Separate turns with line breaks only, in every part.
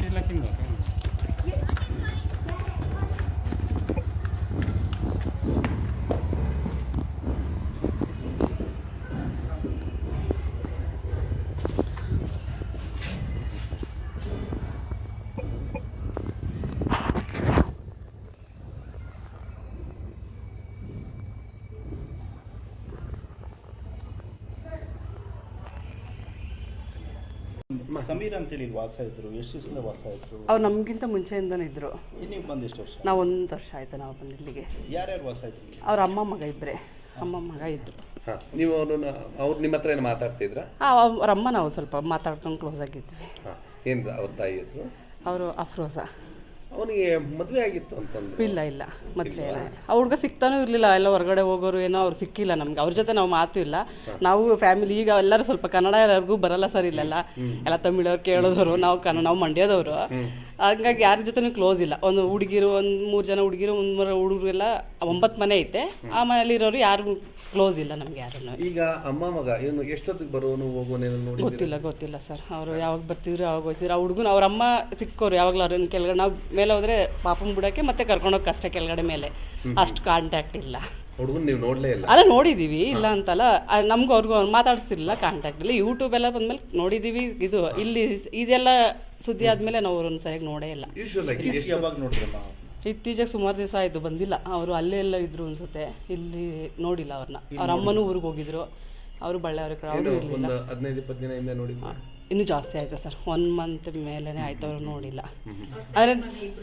ಸಮೀರ್ ಅಂತೇಳಿ ವಾಸ ಇದ್ರು, ಎಷ್ಟು ದಿವಸದಿಂದ ವಾಸ ಇದ್ರು?
ಅವ್ರು ನಮಗಿಂತ ಮುಂಚೆಯಿಂದನೇ ಇದ್ದರು.
ನೀವು ಬಂದು ಎಷ್ಟು ವರ್ಷ?
ನಾವು 1 ವರ್ಷ ಆಯಿತು ನಾವು ಬಂದು ಇಲ್ಲಿಗೆ.
ಯಾರ್ಯಾರು ವಾಸ ಇದ್ರು?
ಅವ್ರ ಅಮ್ಮ ಮಗ ಇಬ್ಬರೇ, ಅಮ್ಮ ಮಗ ಇದ್ದರು.
ನೀವು ಅವ್ರು ನಿಮ್ಮ ಹತ್ರ ಏನು ಮಾತಾಡ್ತಿದ್ರಾ?
ಅವ್ರ ಅಮ್ಮ ನಾವು ಸ್ವಲ್ಪ ಮಾತಾಡ್ಕೊಂಡು ಕ್ಲೋಸ್ ಆಗಿದ್ವಿ.
ಏನು ಅವ್ರ ತಾಯಿ ಹೆಸರು?
ಅವರು ಅಫ್ರೋಜಾ.
ಅವನಿಗೆ ಮದುವೆ ಆಗಿತ್ತು ಅಂತಂದ್ರೆ?
ಇಲ್ಲ ಮದುವೆ ಇಲ್ಲ. ಆ ಹುಡುಗ ಸಿಗ್ತಾನೂ ಇರಲಿಲ್ಲ, ಎಲ್ಲ ಹೊರಗಡೆ ಹೋಗೋರು ಏನೋ ಅವ್ರು ಸಿಕ್ಕಿಲ್ಲ ನಮ್ಗೆ. ಅವ್ರ ಜೊತೆ ನಾವು ಮಾತು ಇಲ್ಲ. ನಾವು ಫ್ಯಾಮಿಲಿ ಈಗ ಎಲ್ಲರೂ ಸ್ವಲ್ಪ ಕನ್ನಡ ಎಲ್ಲರಿಗೂ ಬರಲ್ಲ ಸರ್ ಇಲ್ಲೆಲ್ಲ, ಎಲ್ಲ ತಮಿಳವ್ರು ಕೇಳೋದವರು, ನಾವು ಮಂಡ್ಯದವರು. ಹಂಗಾಗಿ ಯಾರ ಜೊತೆನೂ ಕ್ಲೋಸ್ ಇಲ್ಲ. ಒಂದು ಹುಡುಗಿರು, 3 ಜನ ಹುಡುಗಿರು, 3 ಹುಡುಗರು ಎಲ್ಲ 9 ಮನೆ ಐತೆ. ಆ ಮನೇಲಿ ಇರೋರು ಯಾರು ಕ್ಲೋಸ್ ಇಲ್ಲ ನಮ್ಗೆ ಯಾರನ್ನು.
ಈಗ ಅಮ್ಮ ಮಗ ಇವನು ಎಷ್ಟೊತ್ತಿಗೆ ಬರೋನು ಹೋಗೋನೇನು ನೋಡಿ?
ಗೊತ್ತಿಲ್ಲ ಸರ್. ಅವರು ಯಾವಾಗ ಬರ್ತಿದ್ರು ಯಾವಾಗ ಹೋಗ್ತಿದ್ರು. ಆ ಹುಡುಗನ ಅವ್ರ ಅಮ್ಮ ಸಿಕ್ಕೋರು ಯಾವಾಗಲೂ ಅವ್ರನ್ನ ಕೆಳಗಡೆ, ನಾವು ಮೇಲೆ ಹೋದ್ರೆ ಪಾಪನ್ ಬಿಡೋಕ್ಕೆ ಮತ್ತೆ ಕರ್ಕೊಂಡೋಗಿ ಕಷ್ಟ ಕೆಳಗಡೆ ಮೇಲೆ, ಅಷ್ಟು ಕಾಂಟ್ಯಾಕ್ಟ್ ಇಲ್ಲ.
ಹುಡುಗನ್ ನೀವು ನೋಡಲೇ ಇಲ್ಲ?
ಅಲ್ಲ ನೋಡಿದ್ದೀವಿ, ಇಲ್ಲ ಅಂತಲ್ಲ. ನಮ್ಗೂ ಅವ್ರಿಗೂ ಮಾತಾಡ್ತಿರ್ಲಿಲ್ಲ, ಕಾಂಟ್ಯಾಕ್ಟ್ ಇಲ್ಲ. ಯೂಟ್ಯೂಬ್ ಎಲ್ಲ ಬಂದ್ಮೇಲೆ ನೋಡಿದ್ದೀವಿ. ಇದು ಇಲ್ಲಿ ಇದೆಲ್ಲ ಸುದ್ದಿ ಆದಮೇಲೆ ನಾವು ಅವ್ರನ್ನ ಸರಿಯಾಗಿ ನೋಡೇ ಇಲ್ಲ.
ಯಾವಾಗ ನೋಡಿದ್ರಮ್ಮ?
ಇತ್ತೀಚೆಗೆ ಸುಮಾರು ದಿವಸ ಆಯಿತು ಬಂದಿಲ್ಲ. ಅವರು ಅಲ್ಲೇ ಎಲ್ಲ ಇದ್ರು ಅನ್ಸುತ್ತೆ, ಇಲ್ಲಿ ನೋಡಿಲ್ಲ ಅವ್ರನ್ನ. ಅವ್ರ ಅಮ್ಮನೂ ಊರಿಗೆ ಹೋಗಿದ್ರು, ಅವರು ಬಳ್ಳಾರಿ ಕಡೆ, ಅವರು ಇರಲಿಲ್ಲ.
15-20 ದಿನದಿಂದ ನೋಡಿದ್ರು?
ಇನ್ನೂ ಜಾಸ್ತಿ ಆಯಿತು ಸರ್, 1 ಮಂತ್ ಮೇಲೇ ಆಯ್ತು ಅವ್ರು ನೋಡಿಲ್ಲ. ಆದರೆ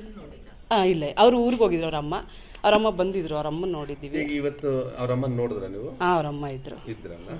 ಇಲ್ಲ, ಅವರು ಊರಿಗೆ ಹೋಗಿದ್ರು ಅವ್ರಮ್ಮ ಬಂದಿದ್ರು, ಅವ್ರಮ್ಮ ನೋಡಿದ್ದೀವಿ.
ಇವತ್ತು ಅವ್ರಮ್ಮ ನೋಡಿದ್ರ ನೀವು?
ಅವ್ರಮ್ಮ ಇದ್ರಲ್ಲ.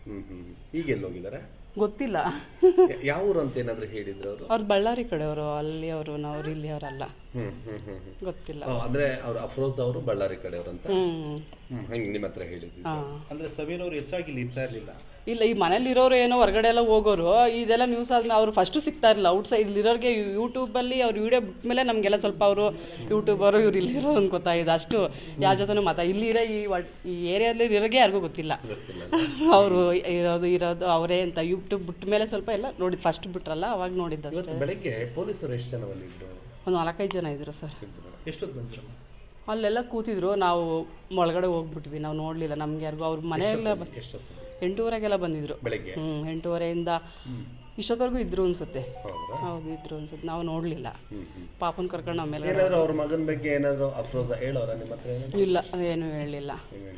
ಈಗ ಎಲ್ಲಿ ಹೋಗಿದ್ದಾರೆ
ಗೊತ್ತಿಲ್ಲ.
ಯಾವ ಊರು ಅಂತ ಏನಾದ್ರು ಹೇಳಿದ್ರು ಅವರು?
ಅವ್ರು ಬಳ್ಳಾರಿ ಕಡೆಯವರು, ಅಲ್ಲಿ ಅವರು, ನಾವು ಇಲ್ಲಿ ಅವರಲ್ಲ, ಗೊತ್ತಿಲ್ಲ.
ಅಂದ್ರೆ ಅವ್ರು ಅಫ್ರೋಜ್ ಅವರು ಬಳ್ಳಾರಿ ಕಡೆಯವರು ಅಂತ ಹಂಗೆ ನಿಮ್ಮ ಹತ್ರ ಹೇಳಿದ್ರು?
ಅಂದ್ರೆ ಸಮೀರ್ ಅವರು ಹೆಚ್ಚಾಗಿ ಇಲ್ಲಿ ಇರ್ತಾ ಇರಲಿಲ್ಲ.
ಇಲ್ಲ, ಈ ಮನೇಲಿ ಇರೋರು ಏನೋ ಹೊರಗಡೆ ಎಲ್ಲ ಹೋಗೋರು. ಇದೆಲ್ಲ ನ್ಯೂಸ್ ಆದ್ಮೇಲೆ ಅವ್ರು ಫಸ್ಟು ಸಿಗ್ತಾ ಇರಲಿಲ್ಲ. ಔಟ್ ಸೈಡ್ ಇಲ್ಲಿರೋರಿಗೆ ಯೂಟ್ಯೂಬಲ್ಲಿ ಅವ್ರು ವಿಡಿಯೋ ಬಿಟ್ಮೇಲೆ ನಮಗೆಲ್ಲ ಸ್ವಲ್ಪ ಅವರು ಯೂಟ್ಯೂಬರು ಇವ್ರು ಇಲ್ಲಿರೋ ಅಂತ ಗೊತ್ತಾಗಿದೆ. ಅಷ್ಟು ಯಾರ ಜೊತೆನೂ ಇಲ್ಲಿರೋ ಈ ಏರಿಯಾದಲ್ಲಿ ಇರೋರಿಗೆ ಯಾರಿಗೂ ಗೊತ್ತಿಲ್ಲ ಅವರು ಇರೋದು ಅವರೇ ಅಂತ. ಯೂಟ್ಯೂಬ್ ಬಿಟ್ಟ ಮೇಲೆ ಸ್ವಲ್ಪ ಎಲ್ಲ ನೋಡಿ, ಫಸ್ಟ್ ಬಿಟ್ರಲ್ಲ ಅವಾಗ ನೋಡಿದ್ದಷ್ಟೇ.
ಬೆಳಗ್ಗೆ ಪೊಲೀಸರು ಎಷ್ಟು ಜನ ಬಂದಿದ್ರು?
ಒಂದು 4-5 ಜನ ಇದ್ರು ಸರ್.
ಎಷ್ಟೊತ್ತು ಬಂದ್ರು?
ಅಲ್ಲೆಲ್ಲ ಕೂತಿದ್ರು, ನಾವು ಒಳಗಡೆ ಹೋಗ್ಬಿಟ್ವಿ, ನಾವು ನೋಡಲಿಲ್ಲ. ನಮ್ಗೆ ಯಾರಿಗೂ ಅವ್ರ ಮನೆಯೆಲ್ಲ 8:30ಗೆಲ್ಲ ಬಂದಿದ್ರು. 8:30ಇಂದ ಇಷ್ಟೊತ್ತವರೆಗೂ ಇದ್ರು ಅನ್ಸುತ್ತೆ. ಹೌದು, ಇದ್ರು ಅನ್ಸುತ್ತೆ, ನಾವು ನೋಡಲಿಲ್ಲ. ಪಾಪನ್ ಕರ್ಕೊಂಡು ಆಮೇಲೆ
ಅವ್ರ ಮಗನ ಬಗ್ಗೆ ಏನಾದ್ರು ಅಫ್ರೋಜ ಹೇಳೋರ ನಿಮ್ಮ ಹತ್ರ?
ಇಲ್ಲ, ಏನು ಹೇಳಿಲ್ಲ.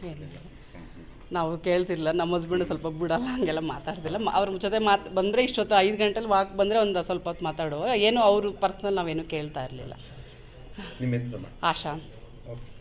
ನಾವು ಕೇಳ್ತಿರ್ಲಿಲ್ಲ. ನಮ್ಮ ಹಸ್ಬೆಂಡ್ ಸ್ವಲ್ಪ ಬಿಡಲ್ಲ, ಹಂಗೆಲ್ಲ ಮಾತಾಡ್ತಿಲ್ಲ. ಅವ್ರ ಜೊತೆ ಬಂದರೆ ಇಷ್ಟೊತ್ತು 5 ಗಂಟೆಲಿ ವಾಕ್ ಬಂದರೆ ಒಂದು ಸ್ವಲ್ಪ ಹೊತ್ತು ಮಾತಾಡುವ, ಏನು ಅವರು ಪರ್ಸ್ನಲ್ ನಾವೇನು ಕೇಳ್ತಾ ಇರಲಿಲ್ಲ.
ನಿಮ್ಮ ಹೆಸರು?
ಆಶಾ.
ಓಕೆ.